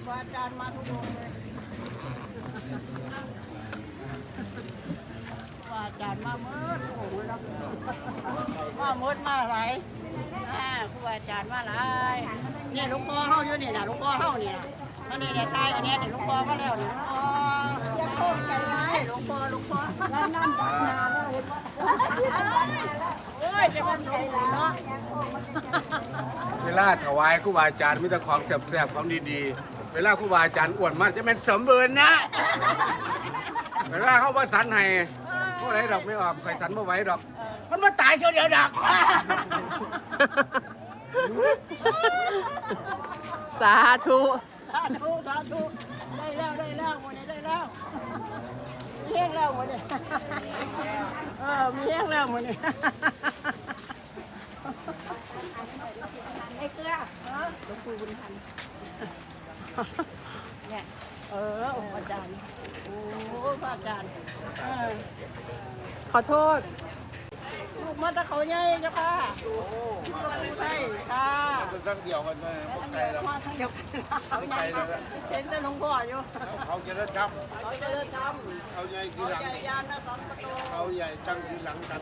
ว่าอาจารย์มาทุกองเลยว่าอาจารย์มาเมื่อโอ้โหแล้วมาเมื่อมาอะไรครูอาจารย์มาอะไรเนี่ยลูกพ่อเข้าอยู่นี่นะลูกพ่อเข้านี่นะอันนี้เนี่ยตายอันนี้เนี่ยลูกพ่อมาแล้วเนี่ยลูกพ่อจะโค้งใจร้ายลูกพ่อแล้วนั่นดักนาแล้วเห็นว่าโอ้ยจะมันใจร้ายเนาะเวลาถวายครูบาอาจารย์มีแต่ของแซ่บๆของดีๆเวลาครูบาอาจารย์อ้วนมากจะเป็นสมบูรณ์นะเวลาเขาว่าสันให้พวกไหนดอกไม่ออกใครสันไม่ไหวดอกมันมาตายเชียวเดียวดอกสาธุสาธุได้แล้วหมดได้แล้วมีแห้งแล้วหมดเนี่ยมีแห้งแล้วหมดเนี่ยไอ้เกลือหลวงปู่บุญทันเนี่ยองค์อาจารย์โอ้พระอาจารย์ขอโทษลูกมาตะเขาใหญ่จ้ะค่ะใช่ค่ะทั้งเดียวกันเลยไกลแล้วเดียวกันเห็นแต่หลวงพ่ออยู่เขาจะได้ทำเขาใหญ่ทีหลังเขาใหญ่ตั้งทีหลังกัน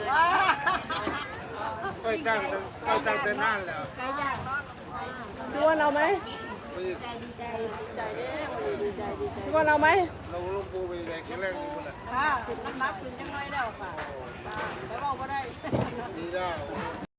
ก็ตั้งแต่นานแล้วพี่ว่าเอาไหมดีใจเด้ดีใจพี่ว่าเอาไหมเราลงปูไปไหนแค่แรกนี่หมดเลยค่ะมันนับขึ้นจังน้อยแล้วค่ะแต่บอกว่าได้ดีแล้ว